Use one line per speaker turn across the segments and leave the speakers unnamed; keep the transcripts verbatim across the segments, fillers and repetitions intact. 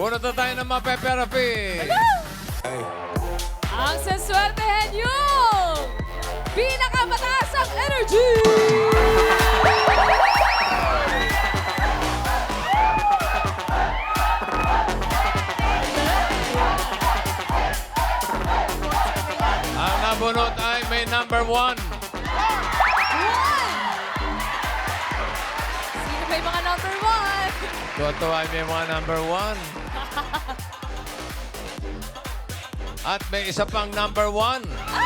Bunot na tayo ng mga pepe-rapi.
Ang saswertehan yung pinakamataas ang energy!
Ang nabunot ay may number one.
Sino ba yung mga number one?
Toto ay may mga number one. At may isa pang number one.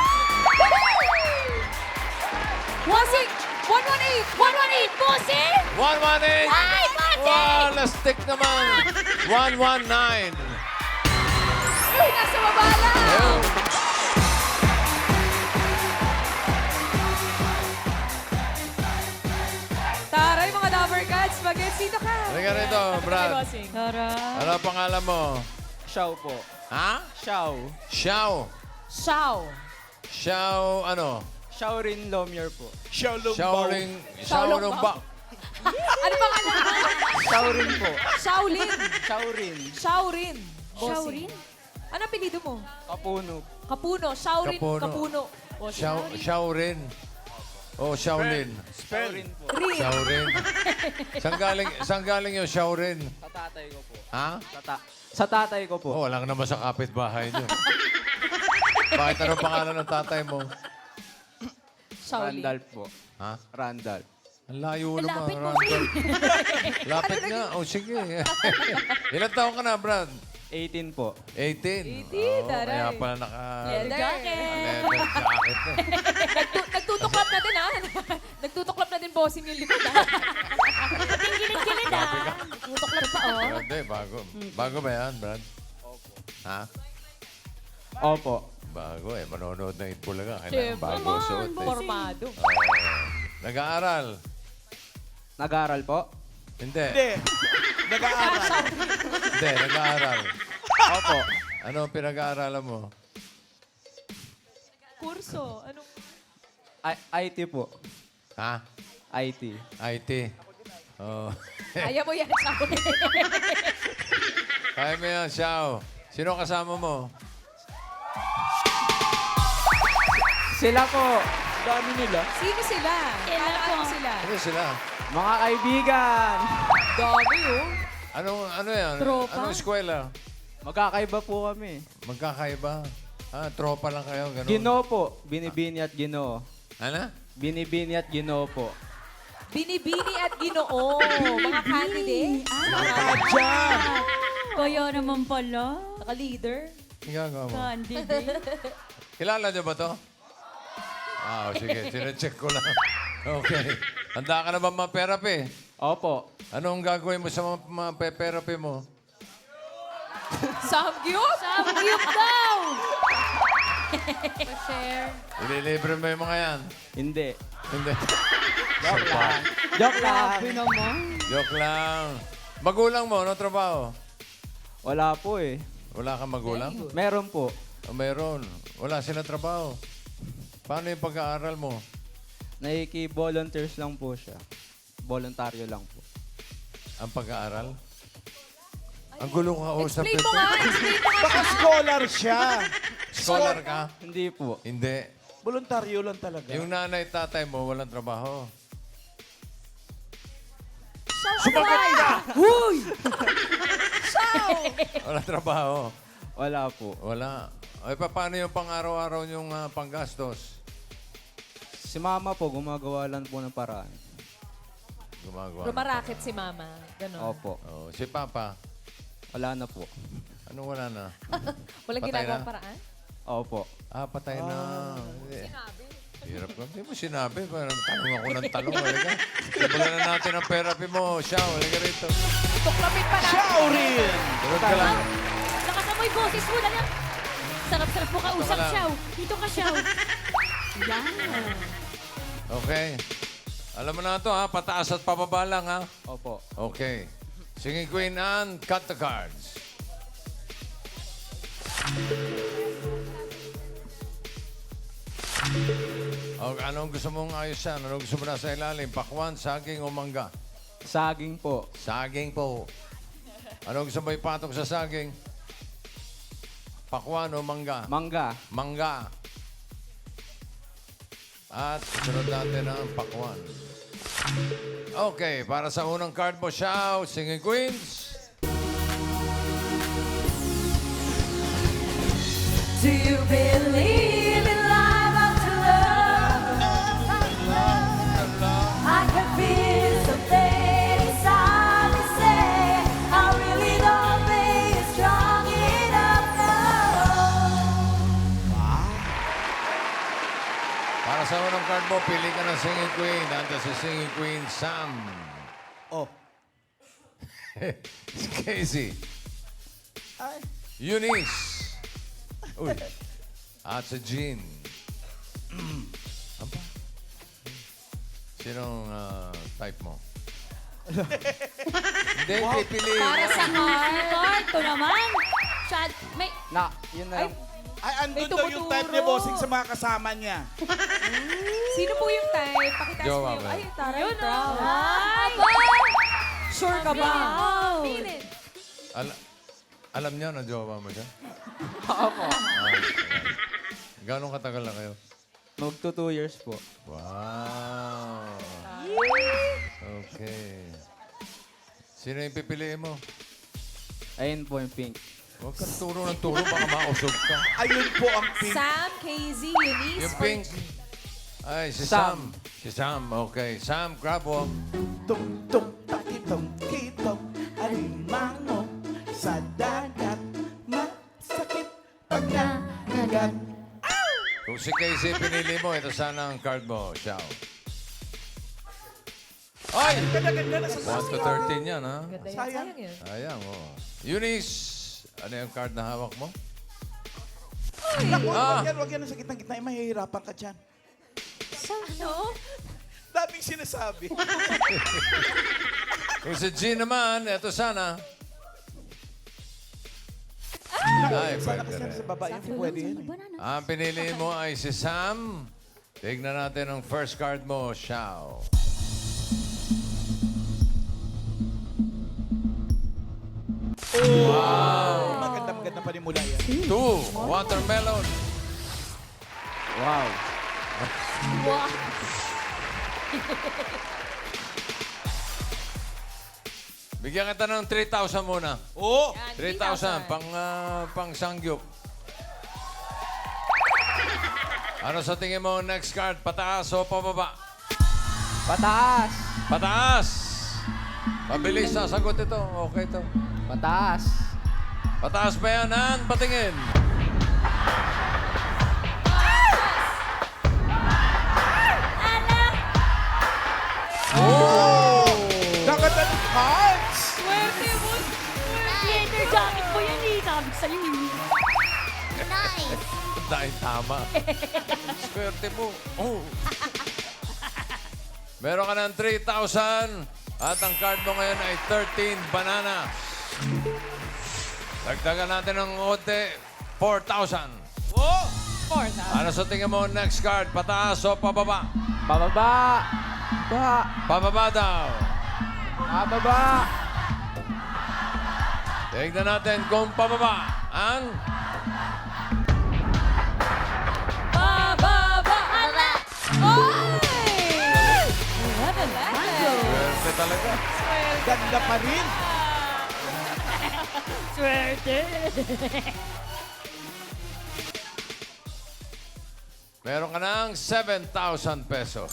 Bossing! one one eight! one one eight, bossing!
one one eight.
Ay, bossing!
Wow, lastik naman. one one nine.
Uy, nasa baba lang!
Ayun.
Taray, mga Dabber Cats, bagets dito ka.
Halika rito, Brad.
Bossing.
Tara.
Ano ang pangalan mo?
Xiao po.
Ha?
Xiao.
Xiao.
Xiao.
Xiao, ano?
Xiaorin Lomier po.
Xiao Ring.
Xiaolong
Xiao Ring ba?
Ano pa nga mo?
Xiaorin po.
Shaolin.
Xiaorin.
Shaorin.
Shaorin?
Ano apelido mo?
Kapuno.
Kapuno. Shaorin.
Kapuno.
Kapuno. O,
Xiao, Xiao Rin. O, Xiaolin.
Xiaorin po.
Rin.
Xiao Rin. Saan galing, saan galing yung Xiao Rin?
Sa tatay ko po.
Ha?
Sa, ta sa tatay ko po.
Oh, wala ka naman sa kapitbahay niyo. Bakit anong pangalan ng tatay mo?
Shaolin.
Randolph po.
Ha?
Randolph.
Ang layo naman.
Lapit mo,
Randall. Lapit nga. O, sige. Ilan taon ka na, Brad?
eighteen po.
eighteen.
eighteen,
Oo,
taray.
kaya pala naka...
Leather jacket.
Leather jacket na.
Nagtu- nagtutuklap na din, ha? Nagtutuklap na din bossing yung likod, ha?
Gilid-gilid ah. Tutuklap pa oh.
Hindi, bago. Bago ba yan, Brad?
Opo.
Ha?
Opo.
Bago eh. Manonood ng Itbulaga. Kailangan
Siyempre.
bago
Naman,
suot eh.
Formado.
Oo. Nag-aaral?
Nag-aaral po?
Hindi.
Hindi. Nag-aaral.
Hindi, nag-aaral.
Opo.
Ano ang pinag-aaralan mo?
Kurso. Anong...
I IT po.
Ha?
I T.
I T. Oh.
Kaya mo yan, Shaolin.
Kaya mo yan, Xiao. Sino kasama mo?
Sila po. Dami nila.
Sino sila?
Sila
Ano
po.
sila?
Ano sila?
Mga kaibigan.
Dami, oh.
Anong, ano yan?
Tropa.
Anong eskwela?
Magkakaiba po kami.
Magkakaiba? Ah, tropa lang kayo, ganun.
Ginoo po. Binibini at ginoo.
Ano?
Binibini at ginoo po.
Binibini at ginoo. Mga candidate.
Diyan.
Kaya naman pala.
Naka-leader.
Ang gagawa mo?
Candidate.
Kilala niyo ba to? Ah, oh, sige. Sinecheck ko lang. Okay. Handa ka na ba ma-therapy?
Opo.
Anong gagawin mo sa mga, mga pe-therapy mo?
Samgyup.
Samgyup daw!
Pa-share.
Ililibre mo yung mga yan?
Hindi.
Hindi.
Joke lang. Joke lang.
naman.
Joke lang. Magulang mo, ano trabaho?
Wala po eh.
Wala kang magulang?
Meron po.
O meron. Wala sila trabaho. Paano yung pag-aaral mo?
Naiki-volunteers lang po siya. Voluntaryo lang po.
Ang pag-aaral? Ang gulo ka usap
Explain
ito.
mo nga. Explain mo nga.
Baka scholar siya.
Scholar ka?
Hindi po.
Hindi.
Voluntaryo lang talaga.
Yung nanay tatay mo, walang trabaho.
Sumagot ka!
Huy!
Walang trabaho.
Wala po.
Wala. Ay, pa, paano yung pang-araw-araw yung ah, panggastos?
Si mama po, gumagawa lang po ng paraan.
Gumagawa.
Rumaraket si mama. Ganon.
Opo.
Oh, si Papa,
Wala na po.
anong wala na?
Walang
Patay
ginagawang
na?
paraan?
Opo.
Ah, patay na. Sinabi. Hirap ka. Hindi mo sinabi. Parang tanong ako ng tanong. Halika. Simulan na natin ang therapy mo. Siya, halika rito.
Tuklapin pa natin.
Shaurin!
Tulog ka lang.
Lakas na mo yung boses mo. Dali. Sarap-sarap mo kausap,
Tama lang.
Xiao. Dito ka, Xiao. Yan.
Okay. Alam mo na ito, ha? Pataas at pababa lang, ha?
Opo.
Okay. Singing Queen Anne, cut the cards. O, anong gusto mong ayusan? Anong gusto mo na sa ilalim? Pakwan, saging o mangga?
Saging po.
Saging po. Ano gusto mo ipatok sa saging? Pakwan o mangga?
Mangga.
Mangga. At sunod natin ang pakwan. Okay, para sa unang card mo, Xiao, Singing Queens.
Do you believe in life after love? I can feel something inside me say I really don't think it's strong enough now.
Para sa unang card mo, pili ka ng Singing Queen. Nandun si Singing Queen, Sam.
Oh.
Casey.
Ay.
Eunice. Uy. At si Jean. Aba. Sinong ah, type mo? Hindi, pipiliin.
Para sa card. Card to naman. Chad, may...
Na, yun na lang.
Ay, andun
May
daw yung type ni
tumuturo.
Bossing sa mga kasama niya.
Sino po yung type? Pakita
Jowa
mo yung...
ba?
Ay, taray,
Yun
proud.
Ay!
Sure ka ba?
Feel
Feel it.
Al- alam niyo na jowa mo siya?
Opo.
Ah, Gano'ng katagal na kayo?
Magto two years po.
Wow. Okay. Sino yung pipiliin mo?
Ayun po yung pink.
Huwag kang turo ng turo, baka mausog ka.
Ayun po ang pink.
Sam, K Z, Eunice.
Yung pink. Ay, si
Sam.
Sam. Si Sam, okay. Sam, grab walk.
Tung tung takitong kitong alimango sa dagat masakit pag nanagat.
Kung si Casey pinili mo, ito sana ang card mo, Xiao. Ay!
Ganda-ganda na sa
one to thirteen yan, ha?
Ganda yan.
Sayang.
Sayang yun.
Ayang, oh. Eunice, ano yung card na hawak mo?
Naku,
Ah.
wag yan, wag yan sa gitna-gitna. Eh, mahihirapan ka dyan.
Ano?
Daming sinasabi.
Kung si Jean naman, ito sana. Ay,
Sana
pwede
kasi
rin.
sa baba yun, hindi pwede yan eh.
Banana.
Ang pinili mo ay si Sam. Tignan natin ang first card mo, Xiao.
Maganda, maganda pa rin mula yan.
Two, watermelon.
Wow.
Wow.
Bigyan kita ng three thousand muna.
Oo!
three thousand, pang, ah, pang sangyup. Ano sa tingin mo next card? Pataas o pababa?
Pataas.
Pataas! Pabilis na sagot ito. Okay ito.
Pataas.
Pataas ba yan, Han? Patingin. Oh!
Nakata ng cards!
Swerte mo. Leather jacket ko yan eh. Sabi sa'yo eh.
Dahil tama. Swerte mo. Oh. Meron ka ng three thousand at ang card mo ngayon ay thirteen banana. Dagdagan natin ng onte, four thousand.
Oo!
Four thousand.
Ano sa tingin mo next card? Pataas o pababa?
Pababa. Ba.
Pababa daw.
Pababa.
Tignan natin kung pababa. Ang
Bababa. Ala.
Oy! Eleven.
swerte talaga.
Ganda pa rin.
Swerte.
Meron ka ng seven thousand pesos.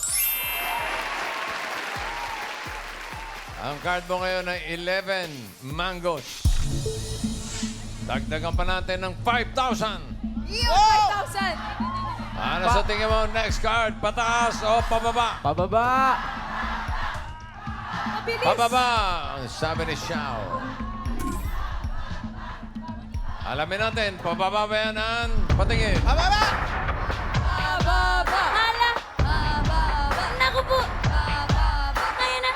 Ang card mo ngayon ay eleven mangoes. Dagdagan pa natin ng five thousand.
five thousand.
Ano sa tingin mo next card? Pataas o pababa?
Pababa.
Mabilis.
Pababa, ang sabi ni Xiao. Alamin natin, pababa ba yan, Ann? Patingin.
Ababa!
Bababa.
Ala.
Bababa.
Naku po.
Bababa.
Kaya na.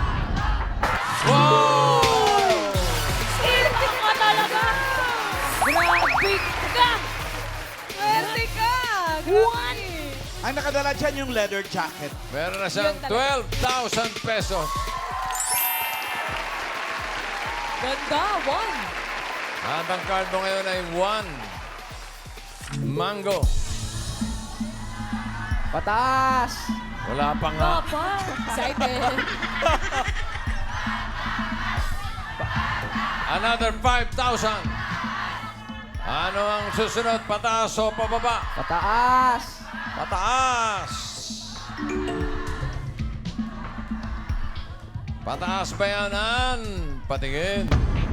Wow!
Swerte ka talaga. Grabe ka.
Swerte ka.
One.
Ang nakadala dyan yung leather jacket.
Meron na siyang
Yun talaga.
twelve thousand pesos.
Ganda, one.
At ang card mo ngayon ay one. Mango.
Pataas!
Wala pa nga.
Papa. Excited.
Another five thousand. Ano ang susunod? Pataas o pababa?
Pataas!
Pataas! Pataas ba yan, Ann? Patingin.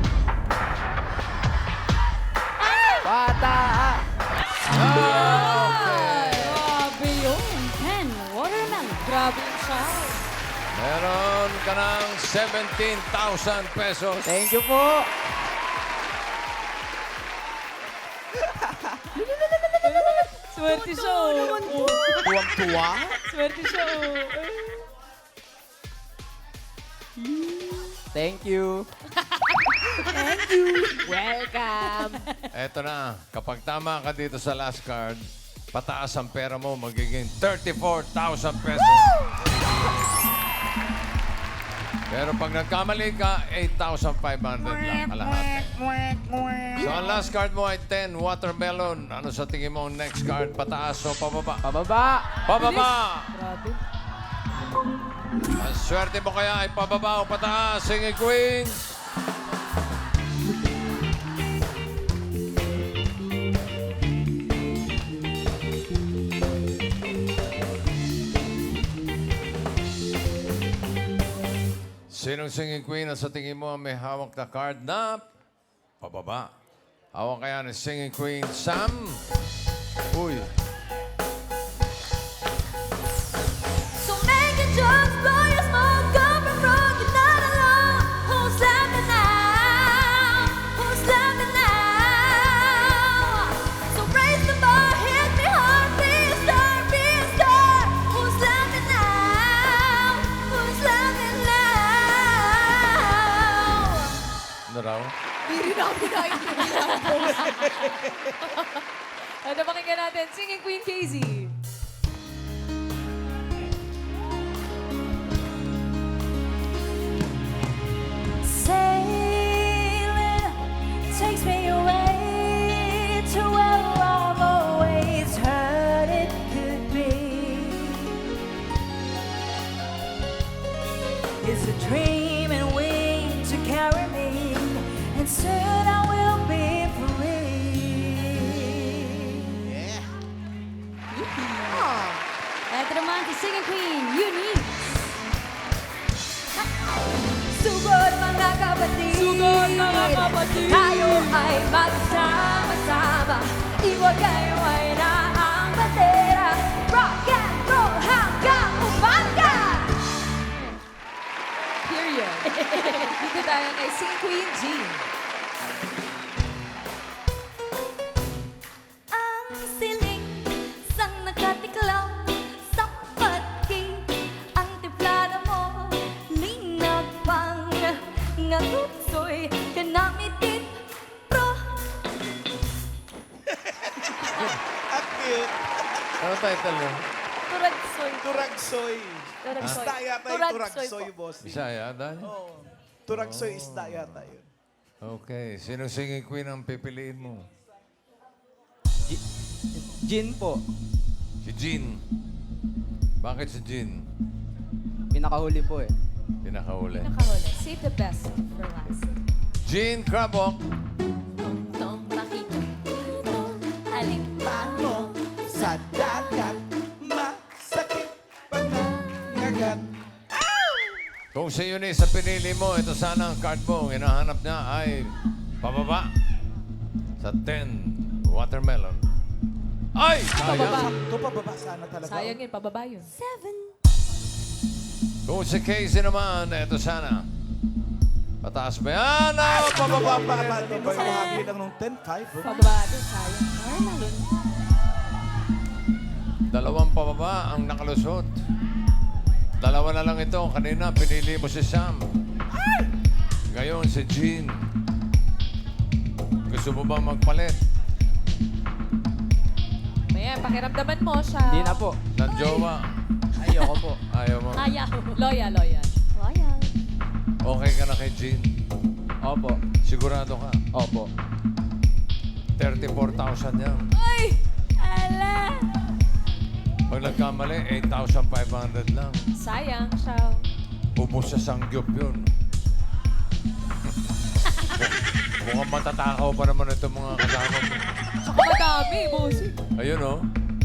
Pataas!
Okay.
Grabe yun. ten, watermelon. Grabe yung sound.
Meron ka ng seventeen thousand pesos.
Thank you po!
Swerte show.
Tuwang-tuwa.
Swerte show.
Thank you!
Welcome.
Eto na, kapag tama ka dito sa last card, pataas ang pera mo, magiging thirty-four thousand pesos. Pero pag nagkamali ka, eight thousand five hundred lang kalahati. So ang last card mo ay ten, watermelon. Ano sa tingin mo ang next card? Pataas o pababa?
Pababa!
Pababa!
Grabe.
Ang swerte mo kaya ay pababa o pataas, singing queens. Sinong singing queen at sa tingin mo ang may hawak na card na pababa? Hawak kaya ni singing queen Sam? Uy.
So make it just blow your smoke, come and rock, you're not alone. Who's laughing now? Who's laughing now? So raise the bar, hit me hard, be a star, be a star. Who's laughing now? Who's laughing now?
Ano raw?
Hindi rin ako pinakinggan po. Ano pakinggan natin? Singing Queen Casey.
Sailing takes me away to where I've always heard it could be. It's a dream and wings to carry me, and soon I will be free.
Ito naman si Singing Queen, Eunice.
Sugod mga kapatid,
Sugod, mga kapatid.
tayo ay magsama-sama. Iwag kayo ay naang bandera. Rock and roll hanggang umaga.
Period. Dito tayo kay Singing Queen Jean.
Ang siling sa nakatiklaw sa pagki. Ang tiplada mo, linag pang ngatutsoy. Kanamitin, pro.
At cute.
Ano title mo?
Turagsoy.
Turagsoy.
Turagsoy.
Isda yata yung
Turagsoy
turagsoy,
po.
boss.
Bisaya, dahil?
Oo. Turagsoy isda yata yun.
Okay. Sinong singing queen ang pipiliin mo?
Gi- Gin po.
Si Jean. Bakit si Jean?
Pinakahuli po eh.
Pinakahuli.
Nakahuli. Save the best for last.
Jean Crabok.
Tong makita. Alimpano.
Sa dagat, masakit panangagat.
Kung si Eunice sa pinili mo, ito sana ang card mo. Ang hinahanap niya ay pababa sa ten, watermelon. Ay! Sayang.
Sakto pa baba sana talaga.
Sayang yun, pababa yun.
Seven.
Kung si Casey naman, ito sana. Pataas ba yan? Oh, pababa pa rin.
Hindi mo kahagi lang nung ten five.
Pababa din, sayang. Watermelon.
Dalawang pababa ang nakalusot. Dalawa na lang ito. Kanina, pinili mo si Sam. Ngayon, si Jean. Gusto mo bang magpalit?
Ayan, pakiramdaman mo siya.
Hindi na po.
Ng jowa?
Ayoko po.
Ayaw mo.
Ayaw. Loyal, loyal.
Royal.
Okay ka na kay Jean.
Opo.
Sigurado ka?
Opo.
thirty-four thousand yan.
Ay! Ala!
Pag nagkamali, eight thousand five hundred lang.
Sayang, Shaw.
Ubus sa sangyup yun. Mukhang matatakaw pa naman itong mga kasama mo.
Saka madami, bossing.
Ayun, oh.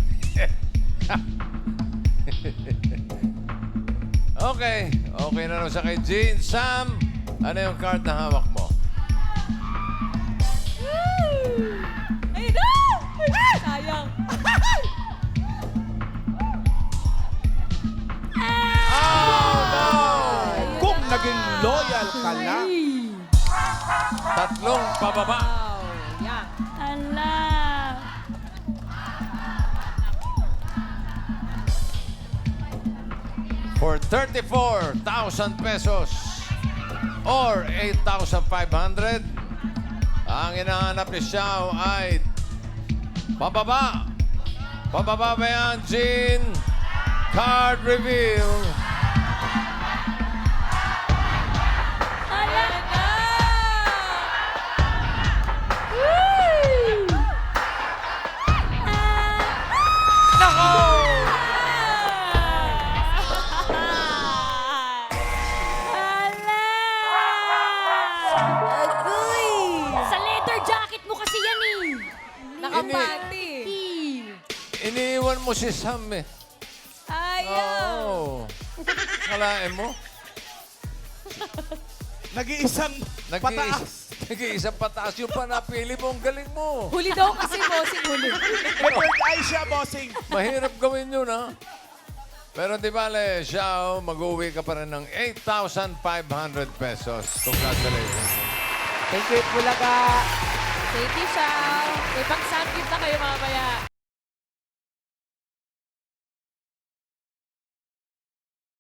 Okay. Okay na rin sa kay Jean. Sam, ano yung card na hawak mo?
Ay, no! Sayang.
Oh, no!
Kung naging loyal ka na,
Tatlong pababa.
Wow. Yeah.
Ala.
For thirty-four thousand pesos or eight thousand five hundred, ang hinahanap ni Xiao ay pababa. Pababa ba yan, Jean? Card reveal.
Ala na!
Nako!
Ala! Agoy!
Sa leather jacket mo kasi yan eh.
Nakapati.
Iniiwan mo si Sam eh.
Ayaw.
Oo. Kalain mo?
nag-iisang pataas.
Nag-iisang pataas yung panapili mo. Ang galing mo.
Huli daw kasi, bossing, huli.
May third eye siya, bossing.
Mahirap gawin yun, ha? Pero di bale, Xiao, mag-uwi ka pa rin ng eight thousand five hundred pesos. Congratulations.
Thank you, Bulaga.
Thank you, Shaw. May pang-sandwich na kayo mamaya.